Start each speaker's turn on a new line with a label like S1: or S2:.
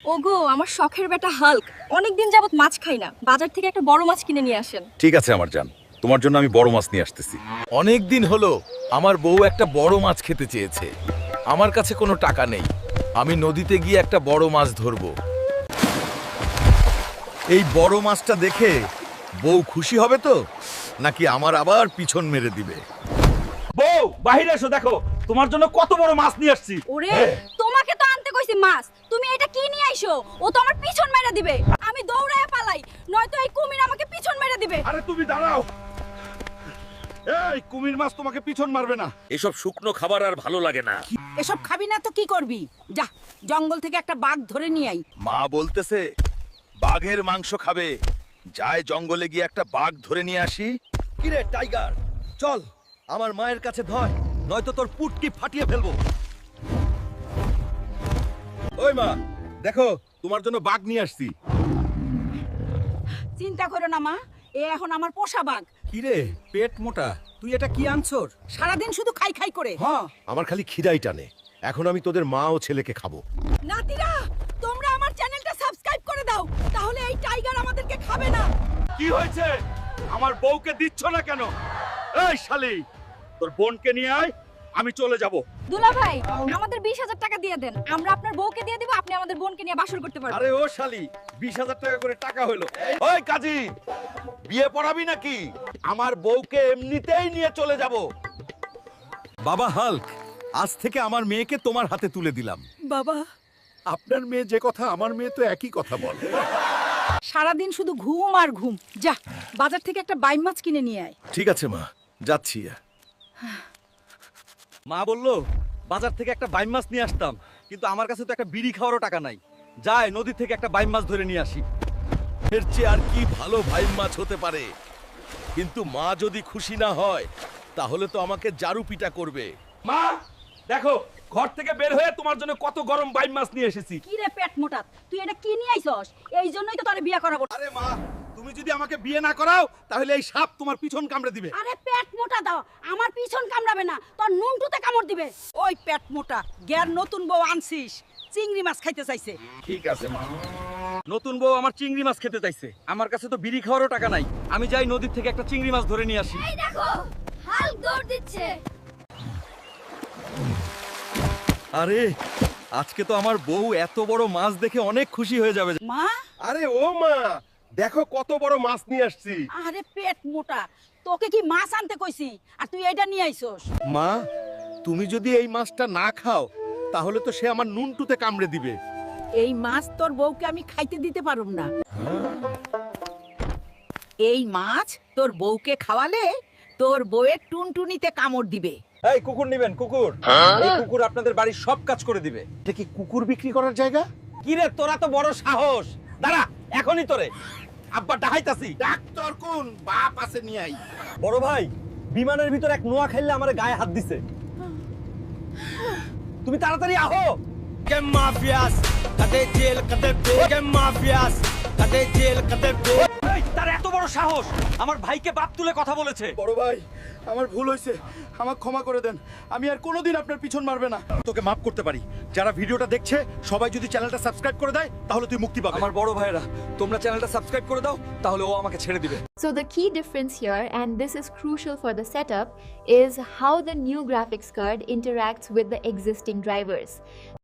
S1: ওগো আমার শখের বেটা হাল্ক অনেকদিন যাবত মাছ খাই না, বাজার থেকে একটা বড় মাছ কিনে নিয়ে আসেন।
S2: ঠিক আছে আমার জান, তোমার জন্য আমি বড় মাছ নিয়ে আসতেছি।
S3: অনেক দিন হলো আমার বউ একটা বড় মাছ খেতে চেয়েছে। আমার কাছে কোনো টাকা নেই, আমি নদীতে গিয়ে একটা বড় মাছ ধরবো।
S2: এই বড় মাছটা দেখে বউ খুশি হবে তো, নাকি আমার আবার পিছন মেরে দিবে?
S4: বউ বাহিরে এসো, দেখো তোমার জন্য কত বড় মাছ নিয়ে আসছি।
S1: ওরে তোমাকে তো আনতে কইছি মাছ, তুমি এটা কি নিয়ে আইছো? ও তো আমার পিছন মেরে দিবে, আমি দৌড়ায় পালাই, নয়তো এই কুমির আমাকে পিছন মেরে দিবে।
S4: আরে তুমি দাঁড়াও, এই কুমির মাছ তোমাকে পিছন মারবে না।
S2: এসব শুকনো খাবার আর ভালো লাগে না।
S5: এসব খাবি না তো কি করবি? যা জঙ্গল থেকে একটা বাঘ ধরে নিয়ে আই।
S2: মা বলতেছে বাঘের মাংস খাবে, যায় জঙ্গলে গিয়ে একটা বাঘ ধরে নিয়ে আসি। কিরে টাইগার, চল আমার মায়ের কাছে ধয়, নয়তো তোর পুটকি ফাটিয়ে ফেলবো। ওই মা, দেখো তোমার জন্য বাঘ নিয়ে আসছি।
S5: চিন্তা করো না মা, এ এখন আমার পোষা বাঘ।
S2: কিরে পেট মোটা, তুই এটা কি আনছর?
S5: সারাদিন শুধু খাই খাই করে।
S2: হ্যাঁ, আমার খালি খিদাই টানে। এখন আমি তোদের মা ও ছেলেকে খাবো।
S5: নাতিরা, তোমরা আমার চ্যানেলটা সাবস্ক্রাইব করে দাও, তাহলে এই টাইগার আমাদেরকে খাবে না।
S4: কি হয়েছে? আমার বউকে দিচ্ছ না কেন? এই শালি, তোর বোনকে নিয়ে আয়, আমি চলে যাব।
S1: দুলা ভাই আমাদের 20,000 টাকা দিয়ে দেন, আমরা আপনার বউকে দিয়ে দিব, আপনি আমাদের বোনকে নিয়ে বাসর করতে পারবেন।
S2: আরে ও শালি, 20,000 টাকা করে টাকা হলো। ওই কাজী, বিয়ে পড়াবি নাকি? আমার বউকে এমনিতেই নিয়ে চলে যাব। বাবা হাল্ক, আজ থেকে আমার মেয়েকে তোমার হাতে তুলে দিলাম।
S5: বাবা,
S6: আপনার মেয়ে যে কথা আমার মেয়ে তো একই কথা বলে।
S5: সারাদিন শুধু ঘুম আর ঘুম। যা বাজার থেকে একটা বাইম মাছ কিনে নিয়ে আয়।
S2: ঠিক আছে মা, যাচ্ছি।
S4: মা বললো বাজার থেকে একটা বাইম মাছ নিয়ে আসতাম, কিন্তু আমার কাছে তো একটা বিড়ি খাওয়ারও টাকা নাই। যায় নদী থেকে একটা বাইম মাছ ধরে নিয়ে আসি।
S2: এর চেয়ে আর কি ভালো ভাই মাছ হতে পারে? কিন্তু মা যদি খুশি না হয়, তাহলে তো আমাকে জারু পিটা করবে।
S4: মা দেখো, ঘর থেকে বের হয়ে তোমার জন্য কত গরম বাইম মাছ নিয়ে এসেছি।
S5: কি রে পেট মোটা, তুই এটা কি নিয়ে আইছস? এই জন্যই তো তোরে বিয়ে করাবো।
S4: আরে মা, তুমি যদি আমাকে বিয়ে না করাও, তাহলে এই সাপ তোমার পিছন কামড়ে দিবে।
S5: আরে পেট মোটা দাও, আমার পিছন কামড়াবে না, তোর নুনটুতে কামড় দিবে। ওই পেট মোটা, গ্যার নতুন বউ আনছিস, চিংড়ি মাছ খাইতে চাইছে।
S2: ঠিক আছে মা।
S4: নতুন বউ আমার চিংড়ি মাছ খেতে চাইছে, আমার কাছে তো বিড়ি খাওয়ারও টাকা নাই। আমি যাই নদীর থেকে একটা চিংড়ি মাছ ধরে নিয়ে আসি।
S1: এই দেখো হাল্ক দৌড় দিচ্ছে।
S4: আরে আজকে তো আমার বউ এত বড় মাছ দেখে অনেক খুশি হয়ে যাবে।
S5: মা,
S6: আরে ও মা, দেখো কত বড় মাছ নিয়ে আসছি।
S5: আরে পেট মোটা, তোকে কি মাছ আনতে কইছি আর তুই এইটা নিয়ে আইছস?
S6: মা, তুমি যদি এই মাছটা না খাও, তাহলে তো সে আমার নুনটুতে কামড়ে দিবে।
S5: এই মাছ তোর বউকে আমি খাইতে দিতে পারুম না। এই মাছ তোর বউকে খাওয়ালে তোর বউয়ের টুনটুনিতে কামড় দিবে।
S4: এই কুকুর নিবেন? কুকুর, এই কুকুর আপনাদের বাড়ির সব কাজ করে দিবে।
S6: এটা কি কুকুর বিক্রি করার জায়গা?
S4: কি রে, তোরা তো বড় সাহস! দাঁড়া, এখনই তোরে আব্বা ডাহাইতাছি।
S6: ডাক্তার কোন বাপ আছে নিয়ে আই।
S4: বড় ভাই, বিমানের ভিতর এক নোয়া খাইলে আমার গায়ে হাত দিছে। তুমি তাড়াতাড়ি আহো। এই, তার এত বড় সাহস, আমার ভাইকে বাপ তুলে কথা বলেছে।
S6: বড় ভাই, আমার ভুল হয়েছে, আমাকে ক্ষমা করে দেন। আমি আর কোনোদিন আপনার পিছন মারবে না।
S4: তোকে মাফ করতে পারি। যারা ভিডিওটা দেখছে সবাই যদি চ্যানেলটা সাবস্ক্রাইব করে দেয়, তাহলে তুই মুক্তি পাবি। আমার বড় ভাইরা, তোমরা চ্যানেলটা সাবস্ক্রাইব করে দাও, তাহলে ও আমাকে ছেড়ে দিবে।
S7: So the key difference here, and this is crucial for the setup, is how the new graphics card interacts with the existing drivers.